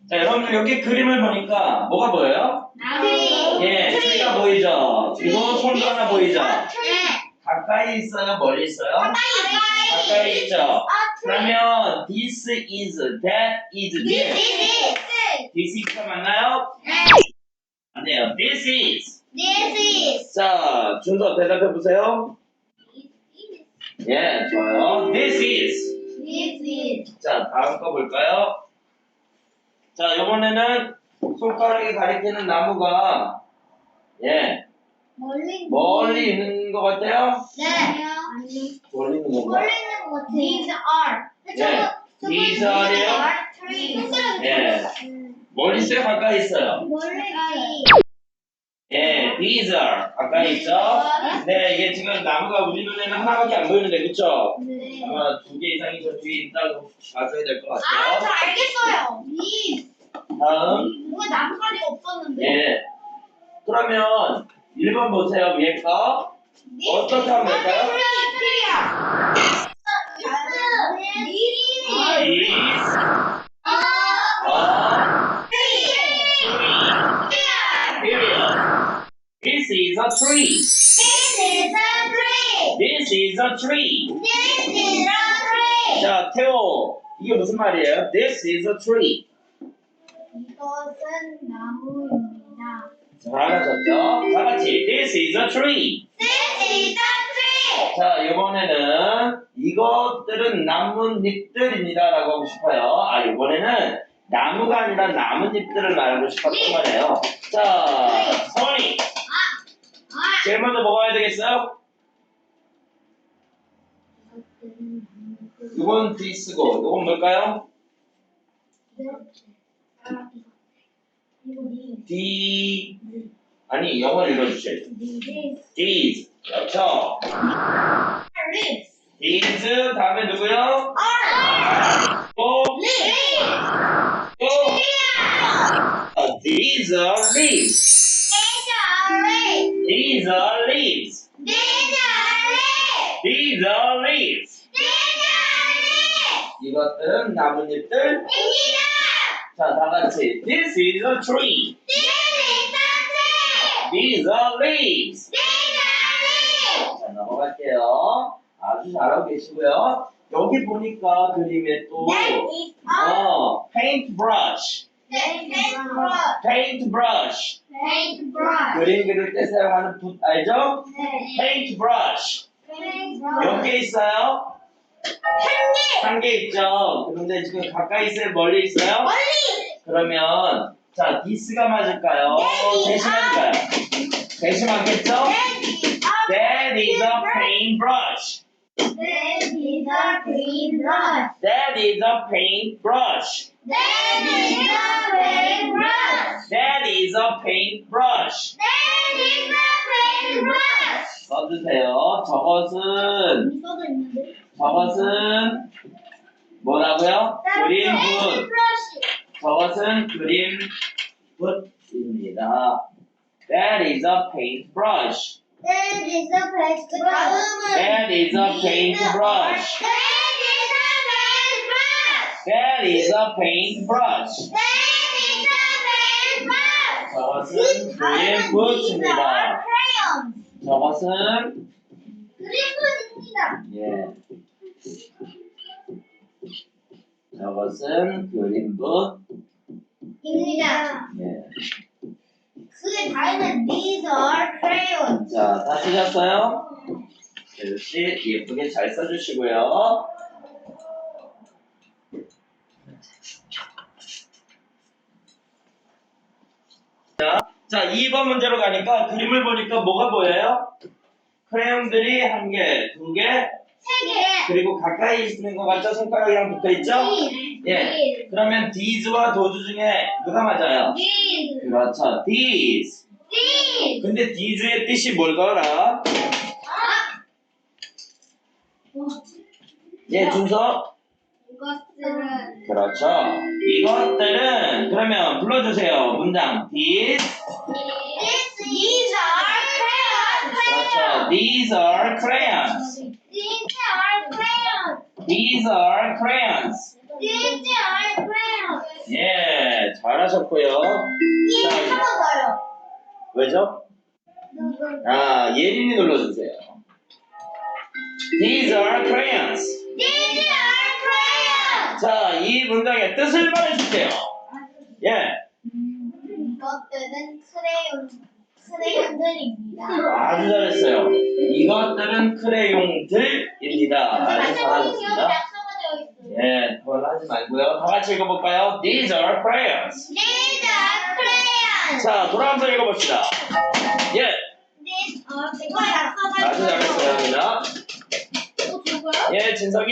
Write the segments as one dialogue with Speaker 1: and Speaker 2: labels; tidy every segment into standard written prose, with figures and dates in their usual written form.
Speaker 1: 자, 여러분들 여기 그림을 보니까 뭐가 보여요? 예, 트리가 보이죠? 그리고 손가락 보이죠? 가까이 있어요? 멀리 있어요? 가까이 있죠? 그러면 this is, that is, this. This is가 맞나요? 아니에요. This is. 자, 준서 대답해 보세요. 예, 좋아요. This is. 자, 다음 거 볼까요? 자, 이번에는 손가락이 가리키는 나무가 예, 멀리 있는 것 같아요? 멀리 있는 건가? These are요? 예, 멀리 있어요? 가까이 있어요? 예, these are 가까이 있죠? 네, 이게 지금 나무가 우리 눈에는 하나밖에 안 보이는데, 그쵸? 아마 2개 이상이 저 뒤에 있다고 봐줘야 될 것 같아요.
Speaker 2: 저 알겠어요.
Speaker 1: 다음.
Speaker 2: 뭔가 나뭇가지가 없었는데.
Speaker 1: 예. 그러면 1번 보세요, 위에 거. 어떻게 하면 될까요? This is a tree. This is a tree. 자, 태호. 이게 무슨 말이에요? This is a tree.
Speaker 2: 이것은 나무입니다.
Speaker 1: 잘하셨죠? 다 같이. This is a tree. 자, 이번에는 이것들은 나뭇잎들입니다. 라고 하고 싶어요. 아, 이번에는 나무가 아니라 나뭇잎들을 말하고 싶었던 거네요. 자, 서원이. 제일 먼저 먹어야 되겠어요? 이건 this고, 이건 뭘까요? D. 아니, 영어를 읽어주셔야죠. These. 그렇죠. These 다음에 누구요? 또 These are leaves. These are leaves. These are leaves. 이것들은 나뭇잎들. 자, 다 같이. This is a tree. These are leaves. 자, 넘어갈게요. 아주 잘하고 계시고요. 여기 보니까 그림에 또 paintbrush. paintbrush. 그림 그릴 때 사용하는 붓 알죠? paintbrush. 몇 개 있어요? 한 개 있죠. 그런데 지금 가까이 있어요? 멀리 있어요? 그러면 자, this가 맞을까요? 대신할까요? 대신 맞겠죠? That is a paintbrush. That is a paintbrush. That is a paintbrush. 써주세요. 저것은 뭐라고요? 그림붓. 저것은 그림붓입니다. That is a paintbrush. That is a paintbrush. That is a paintbrush. 저것은 그림붓입니다. 저것은 예. 저것은 그림붓입니다. 예.
Speaker 2: 그 다음에 these are crayons.
Speaker 1: 자, 다 쓰셨어요? 역시 예쁘게 잘 써주시고요. 자, 2번 문제로 가니까 그림을 보니까 뭐가 보여요? 크레용들이 1개, 2개,
Speaker 2: 3개.
Speaker 1: 그리고 가까이 있는 것 같죠? 손가락이랑 붙어있죠? 예. 그러면 these와 those 중에 누가 맞아요?
Speaker 2: these.
Speaker 1: 그렇죠. these. 근데 these의 뜻이 뭘까라? 예, 준서?
Speaker 2: 이것들은
Speaker 1: 그렇죠. 이것들은 그러면 불러주세요. 문장 these.
Speaker 2: these are crayons.
Speaker 1: 그렇죠. These are crayons.
Speaker 2: These are crayons.
Speaker 1: These are crayons.
Speaker 2: These are crayons.
Speaker 1: 예, 잘하셨고요.
Speaker 2: 한번 더요.
Speaker 1: 왜죠? 아, 예린이 눌러주세요. These are crayons.
Speaker 2: These are crayons.
Speaker 1: 자, 이 문장의 뜻을 말해주세요. 예,
Speaker 2: 이것들은 크레용들입니다.
Speaker 1: 아주 잘했어요. 이것들은 크레용들입니다. 아주 잘하셨습니다. 예, 그건 하지 말고요. 다 같이 읽어볼까요? These are crayons.
Speaker 2: These are crayons.
Speaker 1: 자, 돌아가면서 읽어봅시다. 예,
Speaker 2: These are
Speaker 1: 아주 잘했어요, 누나.
Speaker 2: 저거요?
Speaker 1: 예, 진석이.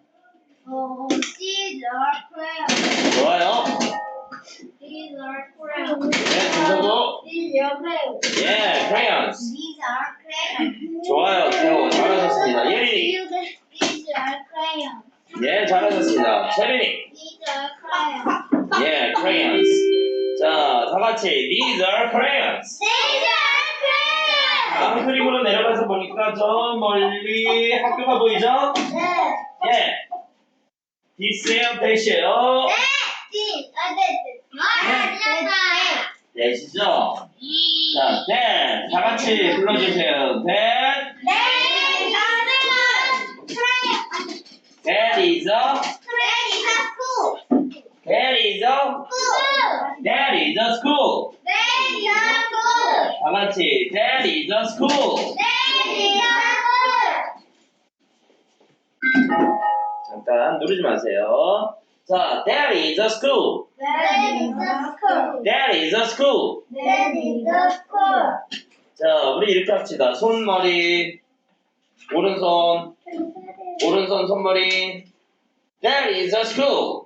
Speaker 2: These are crayons.
Speaker 1: 좋아요.
Speaker 2: These are crayons.
Speaker 1: 예, 진석도.
Speaker 2: These are crayons.
Speaker 1: 예, crayons.
Speaker 2: These are crayons.
Speaker 1: 좋아요, 태호. 잘하셨습니다. 예린이.
Speaker 2: These are crayons.
Speaker 1: 예, 잘하셨습니다. 채린이.
Speaker 2: These are crayons.
Speaker 1: 예, crayons. 자, 다 같이 These are crayons.
Speaker 2: These are crayons.
Speaker 1: 다음 그림으로 내려가서 보니까 저 멀리 학교가 보이죠?
Speaker 2: 네.
Speaker 1: 예. 디스예요, 대시예요?
Speaker 2: These are
Speaker 1: 대시죠? 자, that. 다 같이 불러주세요. That. That is a. That is a. That is a school. 다 같이 That is a school. 잠깐 누르지 마세요. 자, That is a school. That is a school. 자, 우리 이렇게 합시다. 손머리, 오른손, 오른손 손머리. That is a school.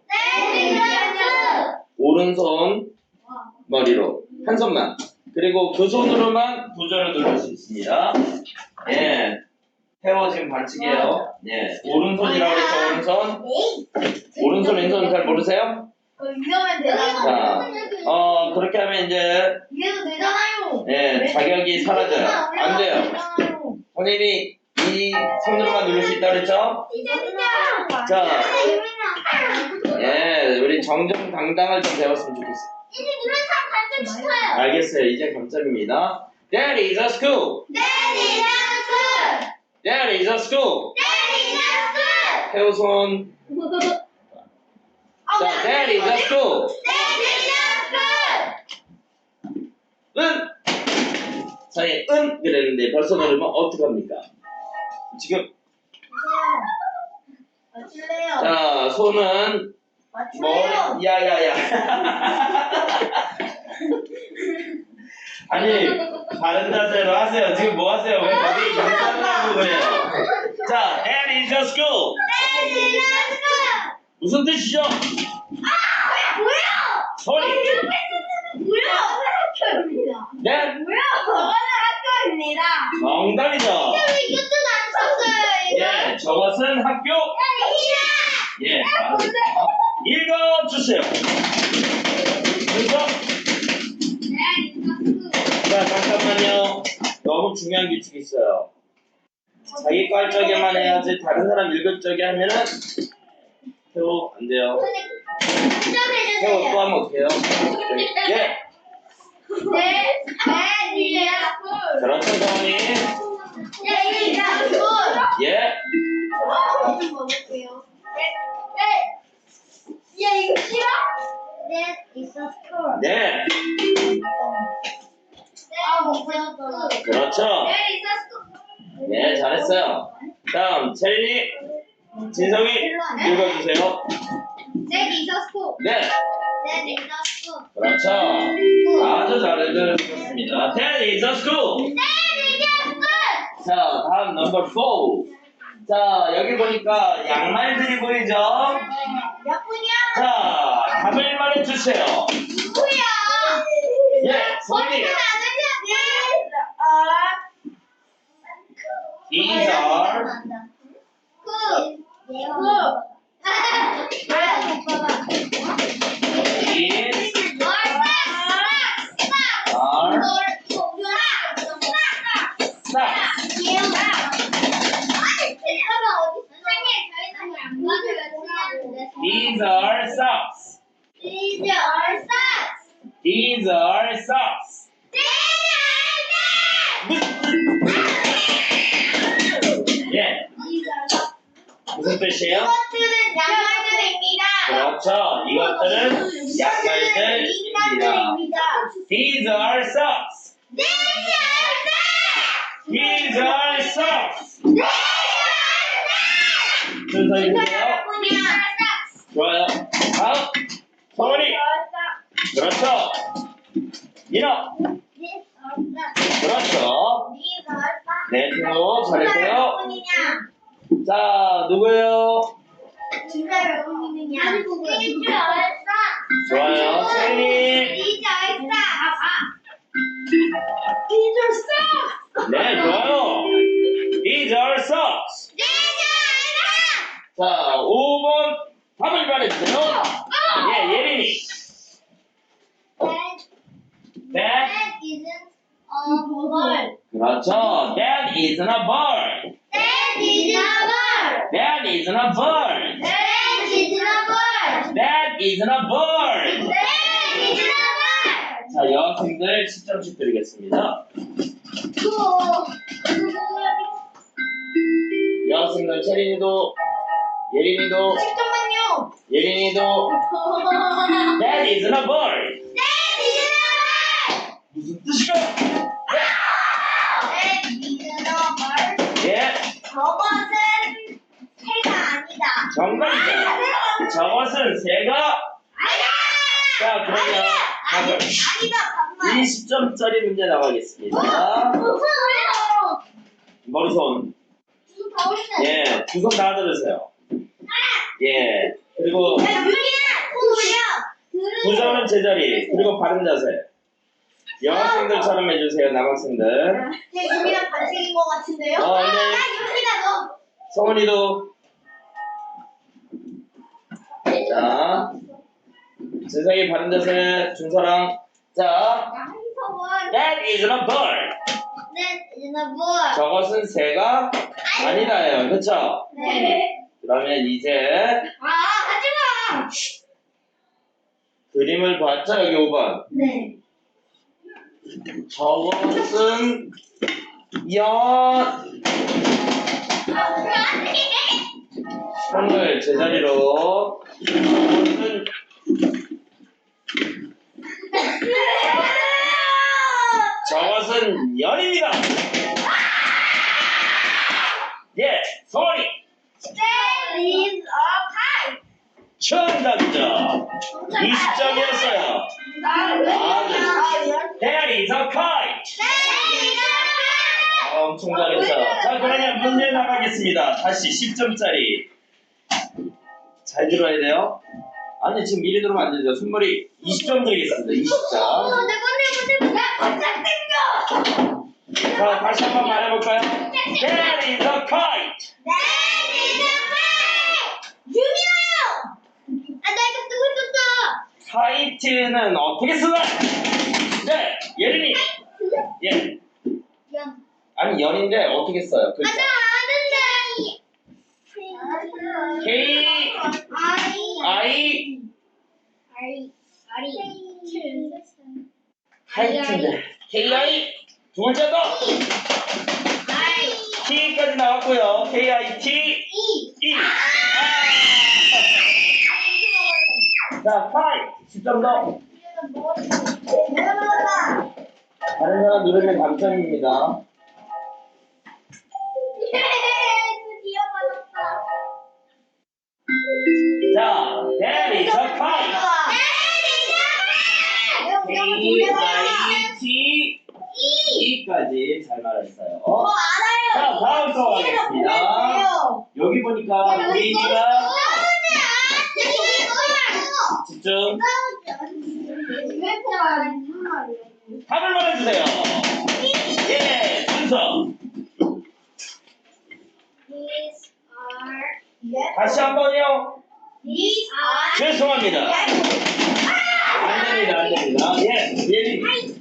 Speaker 1: 오른손 머리로 한 손만. 그리고 그 손으로만 부절을 누를 수 있습니다. 예. 태워 지금 반칙이에요. 예. 오른손이라고 했죠, 오른손. 오른손, 왼손 잘 모르세요? 자, 그렇게 하면 이제, 예, 자격이 사라져요. 안 돼요. 선생님이 이 손으로만 누를 수 있다 그랬죠? 자, 예, 우리 정정당당을 좀 배웠으면 좋겠어요. 알겠어요. 이제 감점입니다. That is a school. That is a school. 태우 손. 자, that is a school. 은. 사이 은 그랬는데 벌써 누르면 어떡합니까? 지금 자, 손은 머리 야야야. 아니, 바른 자세로 하세요. 지금 뭐 하세요? 왜 거기 인사하고 그래요? 자, that is a school. 무슨 뜻이죠? 소리. 네? 정답이죠. 예, 저것은 학교. 예, 맞습니다. 읽어주세요. 그래서 자, 잠깐만요. 너무 중요한 규칙이 있어요. 자기 거 할 적에만 해야지 다른 사람 읽을 적에 하면은 태호 안 돼요. 태호 또 하면 어떡해요? 예. 그렇죠, 정원이. 예.
Speaker 2: 이거 싫어? That is a school.
Speaker 1: 네.
Speaker 2: 못 배웠어.
Speaker 1: 그렇죠.
Speaker 2: That is a school.
Speaker 1: 네, 잘했어요. 다음, 채린이, 진성이 읽어주세요.
Speaker 2: That is a school.
Speaker 1: 네.
Speaker 2: That is a school.
Speaker 1: 그렇죠. 아주 잘해주셨습니다. That is a school.
Speaker 2: That is a school.
Speaker 1: 자, 다음 넘버 4. 자, 여기 보니까 양말들이 보이죠?
Speaker 2: 몇 분이야?
Speaker 1: 자, 답을 말해주세요.
Speaker 2: 누구야?
Speaker 1: 예, 소민이. These are. These are socks.
Speaker 2: These are socks.
Speaker 1: These are socks. 예, 무슨 뜻이에요?
Speaker 2: 이것들은 양말들입니다.
Speaker 1: 그렇죠. 이것들은 양말들입니다. These are socks. These are socks. 순서 읽으세요. 좋아요. 다음. 성원이. 그렇죠. 민호. 그렇죠. 네, 태호 잘했고요. 자, 누구예요? 좋아요. 채린이. 네, 좋아요. These are socks. 자, 5번 답을 말해주세요. 예, 예린이. That, 그렇죠. That isn't a bird. That isn't a bird. That isn't a bird. 자, 여학생들 10점씩 드리겠습니다. 여학생들 채린이도, 예린이도, 예린이도. That isn't a bird. 무슨 뜻이죠? 예,
Speaker 2: 저것은 새가 아니다.
Speaker 1: 정답이죠. 저것은 새가. 자, 그러면 답을
Speaker 2: 아니다. 반말.
Speaker 1: 20점짜리 문제 나가겠습니다. 머리손. 예, 두 손 다 들으세요. 예, 그리고 두 손은 제자리, 그리고 바른 자세. 여학생들처럼 해주세요, 남학생들.
Speaker 2: 유미랑 반칙인 것 같은데요?
Speaker 1: 네.
Speaker 2: 유미가 너.
Speaker 1: 성훈이도. 자, 진성이 바른 자세, 준서랑. 자, that isn't a bird. 저것은 새가 아니다예요. 그쵸?
Speaker 2: 네.
Speaker 1: 그러면 이제
Speaker 2: 하지마.
Speaker 1: 그림을 봤죠? 여기 5번.
Speaker 2: 네.
Speaker 1: 저것은 손을 제자리로. 저것은 저것은 연입니다. 예, 소리. 정답이죠. 20점이었어요. That is a kite. 엄청 잘했어. 자, 그러면 문제 나가겠습니다. 다시 10점짜리. 잘 들어야 돼요. 아니, 지금 미리 들으면 안 되죠. 손머리 20점 드리겠습니다. 20점. 자, 다시 한번 말해볼까요? That is a kite. 카이트는 어떻게 쓰나? 네, 예린이. 예. 아니, 연인데 어떻게 써요? 글자. K, I, 카이트인데. K, I, 두 번째 거. T까지 나왔고요. K, I, T, E. 자, 카이트. 10점 더. 다른 사람 누르면 당첨입니다. 자, that is a kite. K-I-T E까지 잘 말했어요. 자, 다음 거 하겠습니다. 여기 보니까 우리가 집중. 답을 말해주세요. 예, 순서. 다시 한 번요. 죄송합니다. 안 됩니다, 안 됩니다. 예, 예린.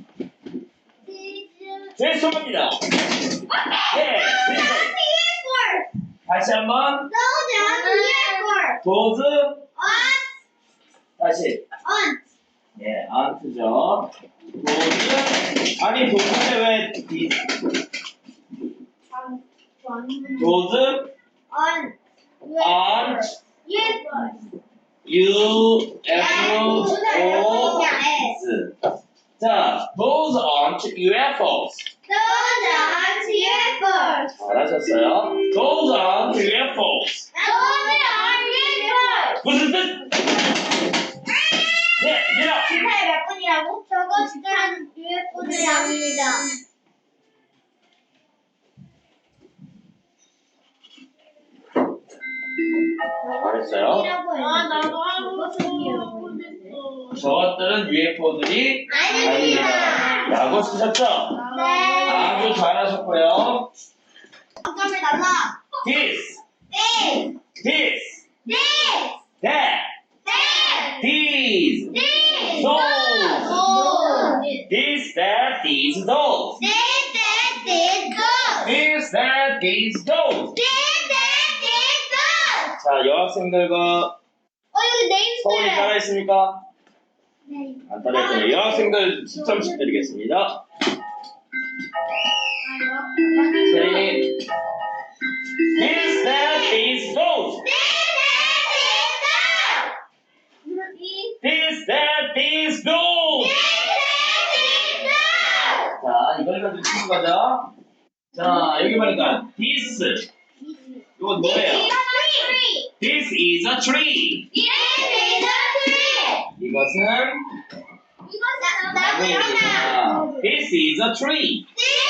Speaker 1: 죄송합니다. 예, 순서. 다시 한 번. 도즈. 다시. 예, aren't죠. those 아니 those 왜 those aren't UFOs. 자, those aren't UFOs. 잘하셨어요. Those aren't UFOs. 무슨 뜻? 네, 미라.
Speaker 2: 저거 진짜 UFO들이 아닙니다.
Speaker 1: 잘했어요.
Speaker 2: 나도 하고
Speaker 1: 저것들은 UFO들이 아닙니다. 라고 쓰셨죠?
Speaker 2: 네.
Speaker 1: 아주 잘하셨고요.
Speaker 2: 점점이 달라.
Speaker 1: This,
Speaker 2: 네.
Speaker 1: this,
Speaker 2: 네.
Speaker 1: that,
Speaker 2: 네.
Speaker 1: these,
Speaker 2: 네.
Speaker 1: those, this, that, these, those,
Speaker 2: 네. 네. 네. 고.
Speaker 1: this, that, these, those.
Speaker 2: 네. 네. 네. 고.
Speaker 1: 자, 여학생들과
Speaker 2: 여기
Speaker 1: 서울이
Speaker 2: 네임들.
Speaker 1: 따라 있습니까?
Speaker 2: 네.
Speaker 1: 안 따라 있군요. 여학생들 10점씩 드리겠습니다. 세린이. This, that, these, those.
Speaker 2: 네. 네. 네. 고.
Speaker 1: This, that, these, those. 자, 이걸 가지고 치는 거죠. 자, 여기 보니까 this. 이건 뭐예요? This is a tree. 이것은 나무입니다. This is a tree.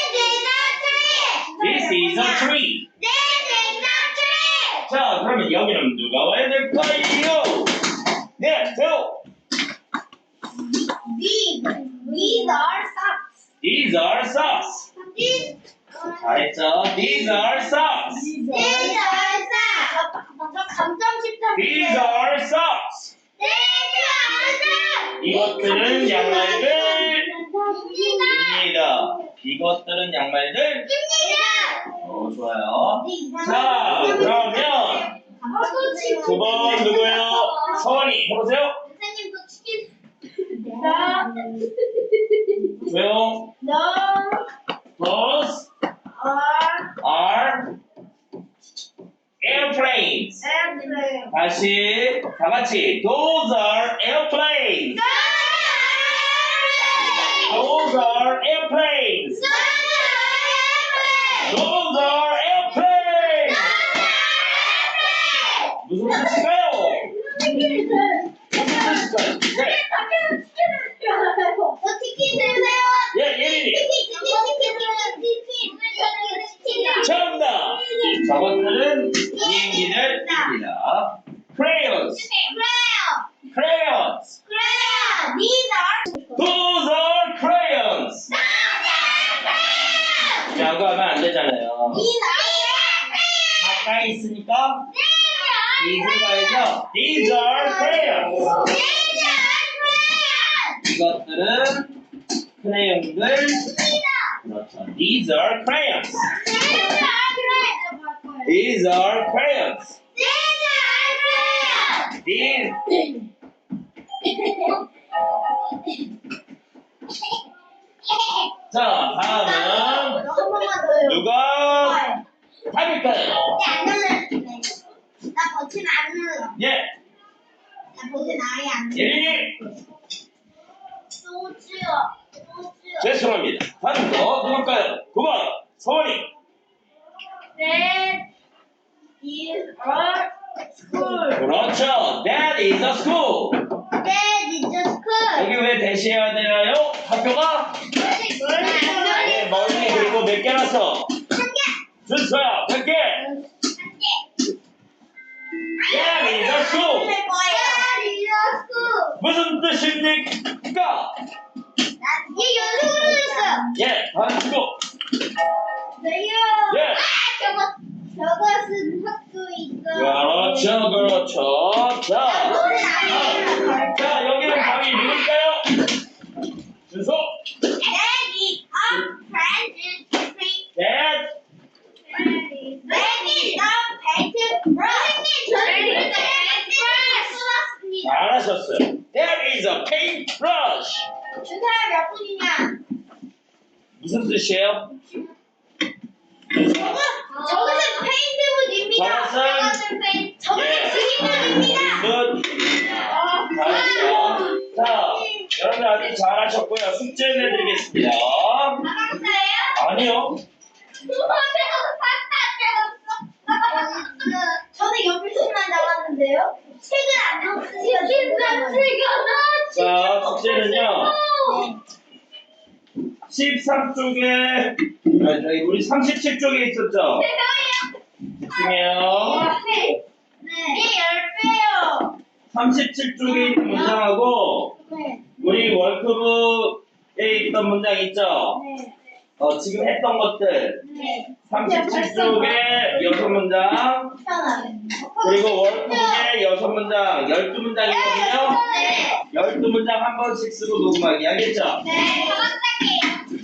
Speaker 1: This is a tree. 자, 그러면 여기는 누가 와야 될까요? 네, 저. These are socks. 잘했죠? These are socks. These are socks. 이것들은 양말들입니다. 이것들은 양말들. 좋아요. 자, 그러면 두 번 누구예요? 서원이 해보세요. 조용. Those are airplanes. 다시 다 같이. Those are airplanes. Those are airplanes. Those are airplanes. 무슨 뜻일까요? 무슨 뜻일까요? 네. 예, 예린이. 정답. 저것들은 비행기들입니다. Crayons. Crayons. Those are crayons. 라고 하면 안 되잖아요. 가까이 있으니까 These 가야죠. These are crayons. 이것들은 크레용들. 그렇죠. These are crayons. These are crayons. These. 자, 다음은 누가 답일까요?
Speaker 2: 나 버튼 안 눌러.
Speaker 1: 예,
Speaker 2: 나 버튼 아예 안 눌러.
Speaker 1: 예린이.
Speaker 2: 소주요.
Speaker 1: 죄송합니다. 다음 거 누굴까요? 9번 서원이.
Speaker 2: That is a school.
Speaker 1: 그렇죠. That is a school.
Speaker 2: That is a school.
Speaker 1: 여기 왜 대시해야 돼요? 학교가 네, 멀리 그리고 몇 개라서 준서야 100개. That is a school.
Speaker 2: That is a school.
Speaker 1: 무슨 뜻입니까?
Speaker 2: 얘 연속으로 했어요.
Speaker 1: 예, 다음 친구.
Speaker 2: 네요.
Speaker 1: 예.
Speaker 2: 저것은 학교 있어.
Speaker 1: 그렇죠, 그렇죠. 자, 자 여기는 답이 누굴까요? 준서.
Speaker 2: That is a friend tree.
Speaker 1: That.
Speaker 2: That is a pet. 선생님, 저는 쏟았습니다.
Speaker 1: 잘하셨어요. That is a paintbrush.
Speaker 2: 준 사람 몇 분이냐?
Speaker 1: 무슨 뜻이에요?
Speaker 2: 저것은 페인트붓입니다. 저것은 그림붓입니다.
Speaker 1: 굿. 잘했어요. 자, 여러분들 아주 잘하셨고요. 숙제 내드리겠습니다.
Speaker 2: 나갔어요?
Speaker 1: 아니요.
Speaker 2: 저는 연필책만 나갔는데요. 책은 안 나왔어요.
Speaker 1: 자, 숙제는요. 13쪽에, 우리 37쪽에 있었죠? 집중해요.
Speaker 2: 네. 10배요.
Speaker 1: 37쪽에 있는 문장하고,
Speaker 2: 네.
Speaker 1: 우리 월크북에 있던 문장 있죠?
Speaker 2: 네.
Speaker 1: 지금 했던 것들.
Speaker 2: 네.
Speaker 1: 37쪽에 6문장, 그리고 월크북에 6문장, 12문장이거든요?
Speaker 2: 네.
Speaker 1: 12문장 한 번씩 쓰고 녹음하기, 알겠죠?
Speaker 2: 네.